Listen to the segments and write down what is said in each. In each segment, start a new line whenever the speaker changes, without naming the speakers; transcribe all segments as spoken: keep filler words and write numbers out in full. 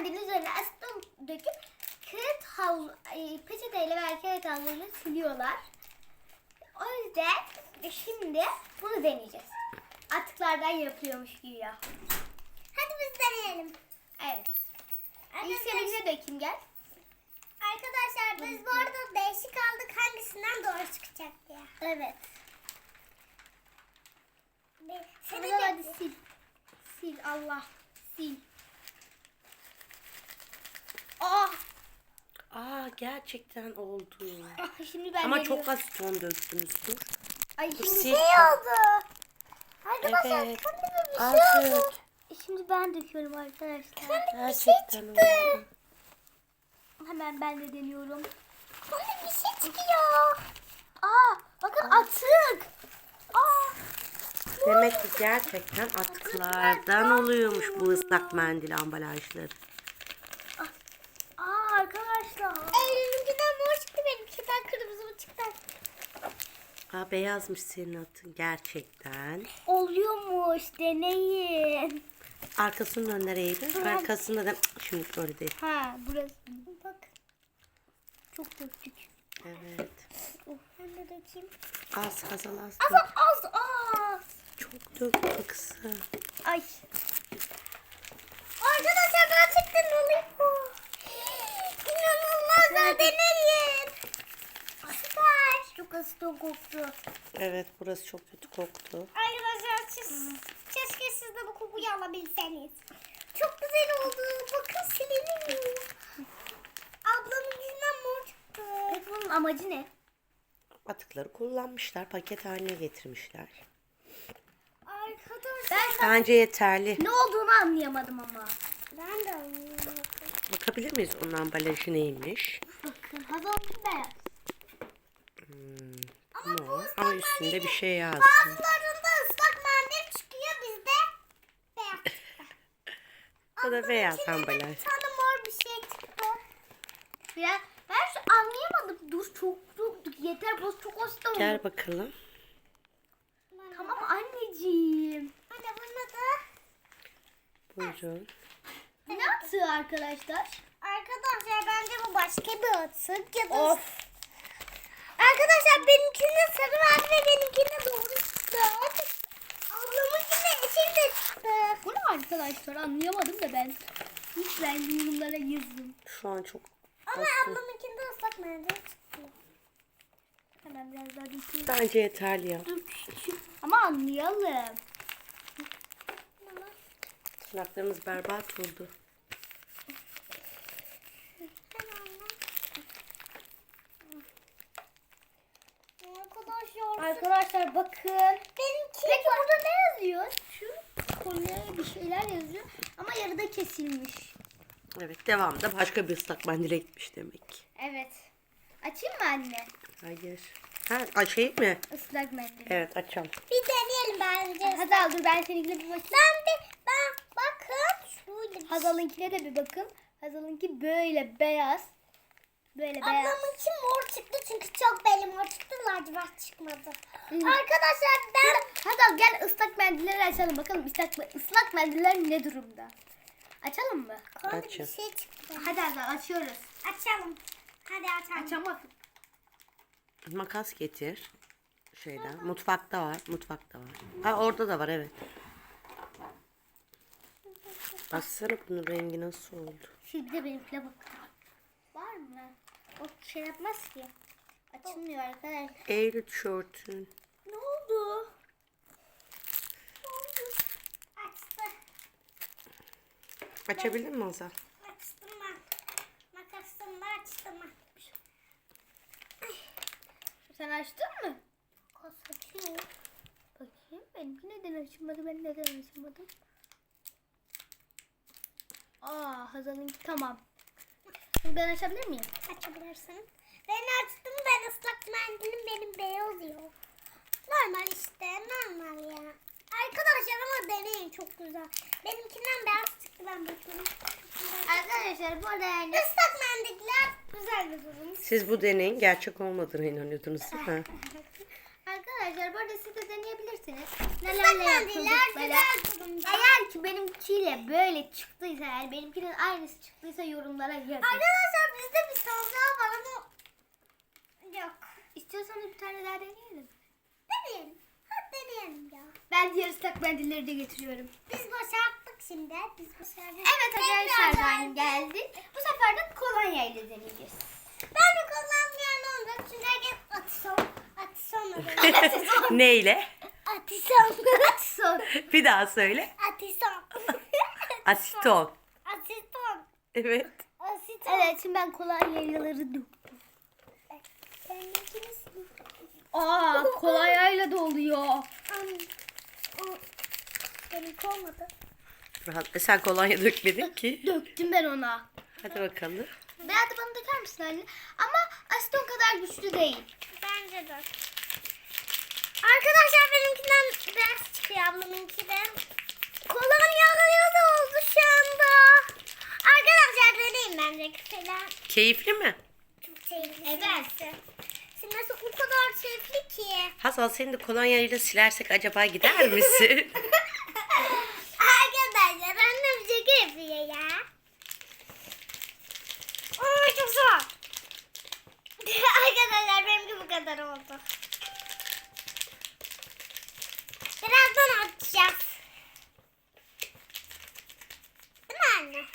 mendilin üzerine aseton döküp kağıt havlu, peçeteyle veya kağıt havluyla siliyorlar. O yüzden şimdi bunu deneyeceğiz. Atıklardan yapıyormuş güya.
Hadi biz deneyelim.
Evet. İlk seninkine dökeyim gel.
Arkadaşlar biz bu arada değişik aldık hangisinden doğru çıkacak diye.
Evet.
Seni
Hadi,
de...
hadi sil. Sil Allah. Sil. Aa.
Aa gerçekten oldu.
Ah, şimdi ben
Ama
deniyorum.
çok az ton döktünüz. Dur.
Ay şimdi
Sil.
şey oldu. Arkadaşlar
Evet.
kan gibi bir şey oldu.
Artık
Şimdi ben döküyorum arkadaşlar.
gerçekten oldu.
Hemen ben de deniyorum.
Kan gibi bir şey çıkıyor.
Aa, bakın atık. Aa.
Demek ki gerçekten atıklardan oluyormuş bu ıslak mendil ambalajları.
Aa arkadaşlar.
Elimden mor çıktı, benimkinden kırmızı mı çıktı?
Aa beyazmış senin atın gerçekten.
Oluyormuş, deneyin.
Arkasının önüne eğilir. Arkasında da şimdi öyle değil.
Ha, burası.
Bak.
Çok döktük.
Evet.
Oh, ben de dökeyim.
Az az az az.
Az az az.
Çok döktü kızım.
Ay.
Arkadaşlar gerçekten oluyor. İnanılmaz da deneyin. Süper.
Çok aseton koktu.
Evet burası çok kötü koktu.
Arkadaşlar siz, keşke siz de bu kokuyu alabilseniz. Çok güzel oldu. Bakın siliniyor. Ablamın yüzünden mor çıktı.
Peki bunun amacı ne?
Atıkları kullanmışlar. Paket haline getirmişler.
Arkadaşlar
Ben
Bence yeterli.
ne olduğunu anlayamadım ama.
ben de alıyorum.
Bakabilir miyiz onun ambalajı neymiş?
Bakın hazır beyaz.
No. Ama üstünde bir şey yazdı.
Bazılarında ıslak mendil çıkıyor, bizde beyaz çıktı.
Bu da beyaz
İçinde de
ambalaj.
bir tane mor bir şey çıktı.
Ya ben şu anlayamadım. Dur çok döktük. Yeter bu çok aseton.
Gel bakalım.
Tamam anneciğim.
Anne buna da
Buyurun.
Ne atığı arkadaşlar?
arkadaşlar bence bu başka bir atık ya da
Of.
arkadaşlar benimkinde sarı vardı ve benimkinde doğru çıktı. Ablamınkinde yeşil de çıktı.
Bu ne arkadaşlar anlayamadım da ben. Lütfen yorumlara yazın.
Şu an çok
Ama
az.
ablamınkinde ıslak mendil çıktı.
Hemen biraz daha dökeyim.
Bence yeterli ya.
Dur, şu- Ama anlayalım.
Tırnaklarımız berbat oldu.
Arkadaşlar
Arkadaşlar bakın.
benimki
Peki burada ne yazıyor? Şu konuya bir şeyler yazıyor. Ama yarıda kesilmiş.
Evet devamında başka bir ıslak mendile gitmiş demek ki.
Evet. Açayım mı anne?
Hayır. Ha açayım mı?
Islak mendil.
Evet açalım.
bir deneyelim bence.
Hadi al dur ben seninkine bir bakayım.
Ben bir ben bakın şöyle bir
Hazal'ınkine de bir bakın. Hazal'ınki böyle beyaz. Böyle beyaz.
Ablamınki mor çıktı çünkü çok belli mor çıktı, lacivert çıkmadı. Arkadaşlar ben
Hazal gel ıslak mendilleri açalım. Bakalım ıslak, ıslak mendiller ne durumda? Açalım mı?
Konuda bir
Açın.
şey çıktı.
Hadi Hazal açıyoruz.
Açalım. Hadi açalım.
Açamadım.
Makas getir. Şeyden. Mutfakta var. Mutfakta var. Ha orada da var evet. Baksana bunun rengi nasıl oldu.
Şimdi de benimkine bakın. Var mı? O şey yapmaz ki. Açılmıyor arkadaşlar.
Eylül tişörtün.
Ne oldu?
Açtı.
Açabilir mi Azal?
Açtım ben. Makasımla açtım ben.
Sen açtın mı?
Kas açıyor.
Bakayım benimki neden açılmadı? Ben neden açılmadım? Aa Hazal'ınki tamam. Şimdi ben açabilir miyim?
Açabilirsin. Ben açtım, ben ıslak mendilim benim beyaz yok. Normal işte, normal ya. Arkadaşlar ama deneyin, çok güzel. Benimkinden beyaz çıktı, ben bakıyorum.
Arkadaşlar bu arada yani
Islak mendiller güzel bir durum.
Siz bu deneyin gerçek olmadığına inanıyordunuz değil mi?
arkadaşlar arkadaşlar bu arada siz de deneyebilirsiniz.
Islak
Nelerle
mendiller
yapıldıkları.
güzel durumda.
Eğer ki benimkiyle böyle çıktıysa, eğer benimkinin aynısı çıktıysa yorumlara yazın.
Arkadaşlar bizde bir tane daha var ama yok.
İstiyorsanız bir tane daha deneyelim.
Deneyelim. Hadi deneyelim ya.
Ben diğer ıslak mendilleri de getiriyorum.
Biz başardık şimdi. Biz başardık.
Evet arkadaşlar
Tekrar
ben geldik. Bu sefer de kolonya ile deneyeceğiz.
Ben de kullanmayan olacak. Çünkü herkes atison. Atison.
Neyle?
Atison.
Son.
Bir daha söyle.
Atison.
Asiton.
Asiton.
Evet.
Asiton.
Evet şimdi ben kolonyaları döktüm.
Sen ikimiz.
Aa kolonyayla doluyor.
Benimki olmadı.
Rahat. E sen kolonya dökmedin ki.
Döktüm ben ona.
Hadi bakalım.
Berat da bana döker misin anne? Ama aseton kadar güçlü değil.
Bence de. Arkadaşlar benimkinden beyaz çıkıyor ablamınki de. Kolonyalı da oldu şu anda. Arkadaşlar deneyim bence falan.
Keyifli mi?
Çok keyifli.
Evet.
Şimdi nasıl o kadar keyifli ki.
Hazal seni de kolonyayla silersek acaba gider misin?
Arkadaşlar annem şaka yapıyor ya. Oo çok zor. Arkadaşlar benimki bu kadar oldu. Birazdan atacağız. Değil mi anne?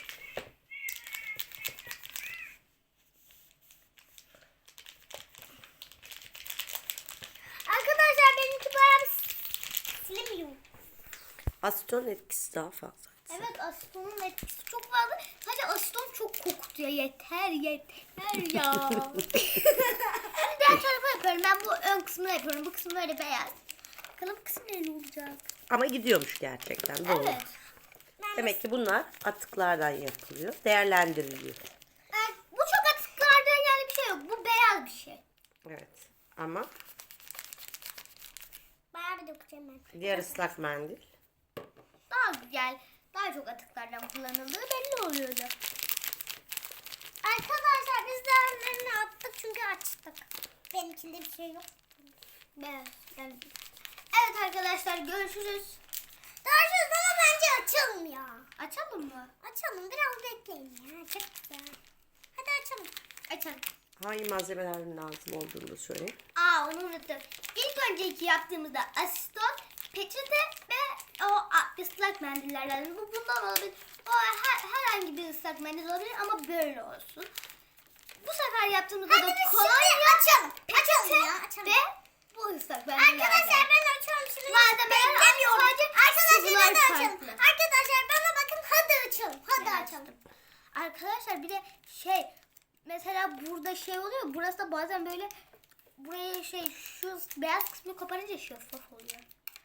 Arkadaşlar benimki bayağı bir silemiyor.
Asiton etkisi daha fazla.
Evet asetonun etkisi çok fazla. Sadece aseton çok kokutuyor. Yeter yeter ya. Diğer tarafa yapıyorum. Ben bu ön kısmını yapıyorum. Bu kısmı böyle beyaz. Bakalım bu kısım ne olacak?
Ama gidiyormuş gerçekten. Doğru.
Evet.
Demek ki bunlar atıklardan yapılıyor. Değerlendiriliyor.
Yani bu çok atıklardan yani bir şey yok. Bu beyaz bir şey.
Evet. Ama
Bayağı bir dökeceğim ben.
diğer ıslak mendil.
Daha güzel, daha çok atıklardan kullanıldığı belli oluyordu.
Arkadaşlar biz değerlerini attık çünkü açtık. Benimkinde bir şey yok.
Beyaz. Yani. Evet arkadaşlar görüşürüz.
Görüşürüz ama bence açalım ya.
Açalım mı?
Açalım biraz bekleyin ya. Çok güzel. Hadi açalım.
Açalım.
Hangi malzemelerin lazım olduğunu da söyle.
Aa onu unuttum. İlk önceki yaptığımızda aseton, peçete ve o a, ıslak mendillerden. Bu bundan olabilir. O her, herhangi bir ıslak mendil olabilir ama böyle olsun. Bu sefer yaptığımızda
Hadi
da
biz
kolonya,
şimdi açalım.
peçete
Açalım ya, açalım.
ve bu ıslak mendillerden.
Arkadaşlar ben açıyorum şimdi.
Malzemeler
Beklemiyorum.
sadece
Arkadaşlar
sıvılar
hadi açalım.
farklı.
Arkadaşlar bana bakın hadi açalım. Hadi
Ben
açalım.
açtım. Arkadaşlar bir de şey mesela burada şey oluyor. Burası da bazen böyle buraya şey şu beyaz kısmı koparınca şeffaf oluyor.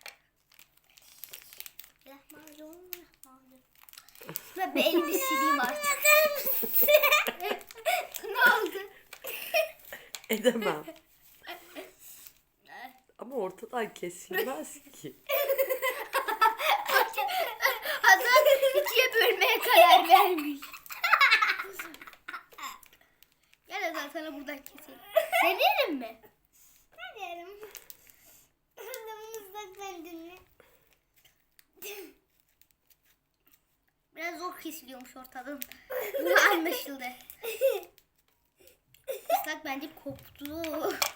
Ve bir elimi sileyim artık. Ne oldu?
Edemem. Ama ortadan kesilmez ki.
Hasan ikiye bölmeye karar vermiş. Gel Hasan sana buradan keseyim. Deneyelim mi?
Ne diyelim? Adamımızda kendini.
Biraz zor kesiliyormuş ortadan. Bu anlaşıldı. Islak bence koptu.